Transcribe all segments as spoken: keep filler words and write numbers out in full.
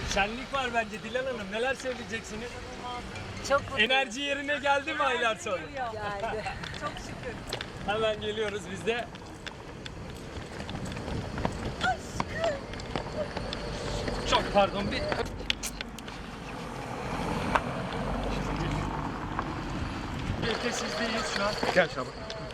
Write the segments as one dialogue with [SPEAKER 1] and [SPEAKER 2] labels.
[SPEAKER 1] Şenlik var bence Dilan Hanım. Neler söyleyeceksiniz?
[SPEAKER 2] Çok mutluyum.
[SPEAKER 1] Enerji yerine geldi mi aylar sonra?
[SPEAKER 2] Geldi. Çok şükür.
[SPEAKER 1] Hemen geliyoruz biz de. Çok pardon bir... Birlikte sizdeyiz şu an.
[SPEAKER 3] Gel Şaban.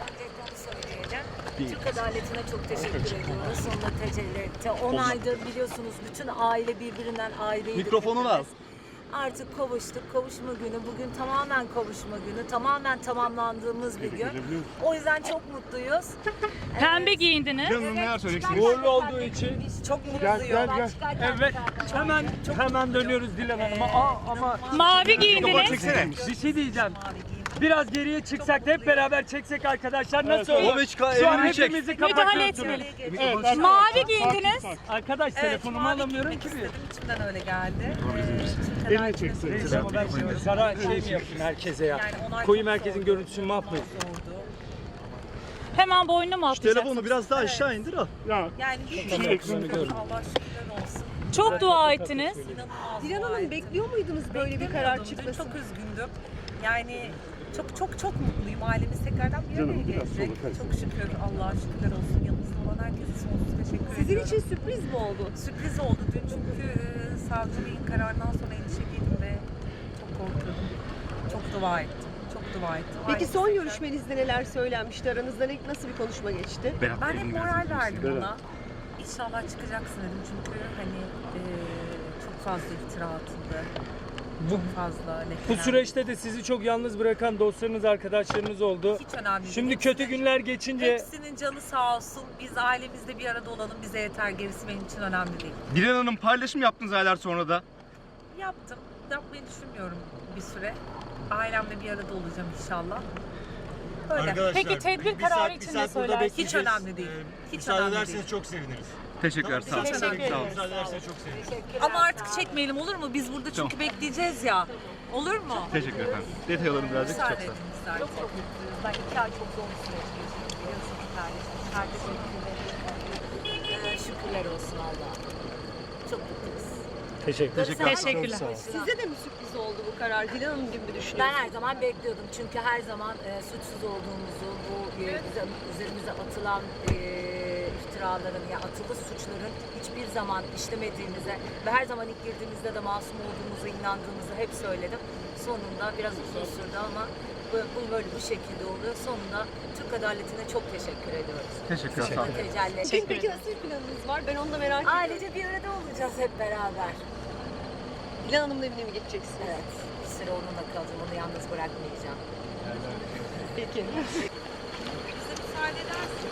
[SPEAKER 2] Türk Adaletine çok teşekkür ediyoruz. Sonunda tecelli etti. on aydır biliyorsunuz bütün aile birbirinden ayrıydı.
[SPEAKER 3] Mikrofonunu al.
[SPEAKER 2] Artık kavuştuk. Kavuşma günü. Bugün tamamen kavuşma günü. Tamamen tamamlandığımız bir gün. O yüzden çok mutluyuz.
[SPEAKER 4] Pembe giyindiniz.
[SPEAKER 3] Canım neler söyleyeceksiniz?
[SPEAKER 1] Uğurlu olduğu için.
[SPEAKER 2] Çok mutluyuz.
[SPEAKER 3] gel, gel.
[SPEAKER 1] Evet. Hemen hemen dönüyoruz Dilan Hanım'a. Aa, ama
[SPEAKER 4] Mavi giyindiniz.
[SPEAKER 3] Çeksene.
[SPEAKER 1] bir şey diyeceğim. Biraz geriye çıksak da hep beraber çeksek arkadaşlar nasıl olur?
[SPEAKER 3] O çıkar,
[SPEAKER 1] Şu an
[SPEAKER 3] elini çek.
[SPEAKER 1] hepimizi
[SPEAKER 4] Müdahale
[SPEAKER 1] kapatıyorsunuz.
[SPEAKER 4] etmeyelim. Evet. Mavi giyindiniz.
[SPEAKER 1] Arkadaş telefonumu alamıyorum ki bir.
[SPEAKER 5] İçimden öyle geldi.
[SPEAKER 3] Elini çeksin.
[SPEAKER 1] Neyse ama ben şimdi Sara şey mi yapayım herkese ya? Koyu merkezin görüntüsünü mahvedin.
[SPEAKER 4] Hemen boynunu mu atacaksın?
[SPEAKER 3] Telefonu biraz daha aşağı indir al.
[SPEAKER 5] Yani hiç
[SPEAKER 1] Ekranı gördüm.
[SPEAKER 5] Allah şükürler olsun.
[SPEAKER 4] Çok dua ettiniz.
[SPEAKER 5] İnanılmaz.
[SPEAKER 6] Dilan Hanım bekliyor muydunuz böyle bir karar
[SPEAKER 5] Beklemiyordum. Dün
[SPEAKER 6] çıkmasını?
[SPEAKER 5] çok üzgündüm. Yani çok çok çok mutluyum. Ailemiz tekrardan bir araya gelecek. Çok şükür. Allah'a şükürler olsun. Yanımızda olan herkese sonsuz teşekkür
[SPEAKER 6] Sizin
[SPEAKER 5] ediyorum.
[SPEAKER 6] için sürpriz mi oldu?
[SPEAKER 5] Sürpriz oldu dün çünkü e, savcı beyin kararından sonra endişeliydim ve çok korkuyordum. Çok dua ettim. Çok dua ettim.
[SPEAKER 6] Peki
[SPEAKER 5] Ailemiz
[SPEAKER 6] son
[SPEAKER 5] tekrar-
[SPEAKER 6] görüşmenizde neler söylenmişti? Aranızda ne- nasıl bir konuşma geçti?
[SPEAKER 5] Ben hep moral verdim ona. İnşallah çıkacaksın dedim çünkü hani e, çok fazla iftira atıldı.
[SPEAKER 1] Bu,
[SPEAKER 5] Çok fazla
[SPEAKER 1] bu
[SPEAKER 5] lekelendi.
[SPEAKER 1] süreçte de sizi çok yalnız bırakan dostlarınız, arkadaşlarınız oldu.
[SPEAKER 5] Hiç önemli değil.
[SPEAKER 1] Şimdi kötü günler geçince
[SPEAKER 5] Hepsinin canı sağ olsun. Biz ailemizde bir arada olalım. Bize yeter. Gerisi benim için önemli değil.
[SPEAKER 3] Dilan Hanım paylaşım yaptınız aylar sonra da.
[SPEAKER 5] Yaptım. Yapmayı düşünmüyorum bir süre. Ailemle bir arada olacağım inşallah. Böyle.
[SPEAKER 4] Peki tedbir kararı için ne söylersiniz?
[SPEAKER 5] Hiç önemli değil. Hiç
[SPEAKER 7] Müsaade
[SPEAKER 5] önemli
[SPEAKER 7] ederseniz
[SPEAKER 5] değil.
[SPEAKER 7] çok seviniriz.
[SPEAKER 3] Teşekkürler sağ olun.
[SPEAKER 4] Teşekkür ederim.
[SPEAKER 3] Sağ olun.
[SPEAKER 7] Müsaade ederseniz çok seviniriz.
[SPEAKER 5] Ama artık çekmeyelim olur mu? Biz burada çünkü bekleyeceğiz ya. Olur mu?
[SPEAKER 3] Teşekkür efendim. Detay alalım birazcık. Çok
[SPEAKER 5] Müsaade
[SPEAKER 3] sağ
[SPEAKER 5] edin
[SPEAKER 3] olun.
[SPEAKER 5] isterseniz.
[SPEAKER 2] Çok çok mutluyuz. Ben iki ay çok zor bir süreç geçirdim. Biliyorsunuz kardeşim. Kardeşim. Ee, şükürler olsun Allah'a. Çok mutluyuz.
[SPEAKER 1] teşekkür
[SPEAKER 3] Teşekkürler.
[SPEAKER 4] Teşekkürler.
[SPEAKER 6] Size de mi sürpriz oldu bu karar? Dilan Hanım gibi mi
[SPEAKER 2] Ben
[SPEAKER 6] düşünüyorsunuz?
[SPEAKER 2] her zaman bekliyordum çünkü her zaman e, suçsuz olduğumuzu, bu e, bize, üzerimize atılan e, iftiraların ya atılı suçların hiçbir zaman işlemediğimize ve her zaman ilk girdiğimizde de masum olduğumuza inandığımızı hep söyledim. Sonunda biraz uzun sürdü ama bu, bu böyle bu şekilde oluyor. Sonunda Türk Adaletine çok teşekkür ediyoruz.
[SPEAKER 3] Teşekkürler sağ olun.
[SPEAKER 2] Tecelli etti.
[SPEAKER 6] Şimdi peki nasıl bir planınız var? Ben onu da merak ediyorum.
[SPEAKER 2] Ailece bir arada olacağız hep beraber.
[SPEAKER 6] Dilan Hanım'ın evine mi geçeceksiniz?
[SPEAKER 2] Evet, bir süre onunla kalacağım, onu yalnız bırakmayacağım.
[SPEAKER 6] Peki.
[SPEAKER 5] Bize müsaade edersin.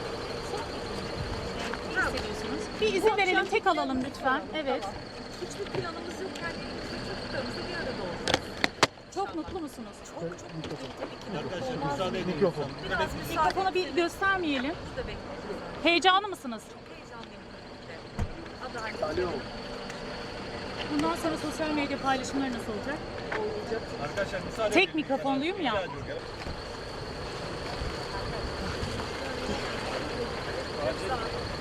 [SPEAKER 4] Ne hissediyorsunuz? Bir izin verelim, tek alalım lütfen. Evet.
[SPEAKER 5] Hiçbir planımız yok. Yani çocuklarımızla bir arada olacağız.
[SPEAKER 4] Çok mutlu musunuz?
[SPEAKER 5] Çok çok mutluyum tabii ki.
[SPEAKER 7] Arkadaşlar müsaade edin.
[SPEAKER 3] Mikrofon.
[SPEAKER 5] Biraz müsaade
[SPEAKER 4] Mikrofonu bir göstermeyelim.
[SPEAKER 5] Biz de bekleyeceğiz.
[SPEAKER 4] Heyecanlı mısınız?
[SPEAKER 5] Çok heyecanlıyım tabii ki de. Adalet.
[SPEAKER 4] Bundan sonra sosyal medya paylaşımları nasıl olacak?
[SPEAKER 7] Arkadaşlar müsaade
[SPEAKER 4] Tek
[SPEAKER 7] edin.
[SPEAKER 4] mikrofonluyum ya.
[SPEAKER 7] Rica ediyorum.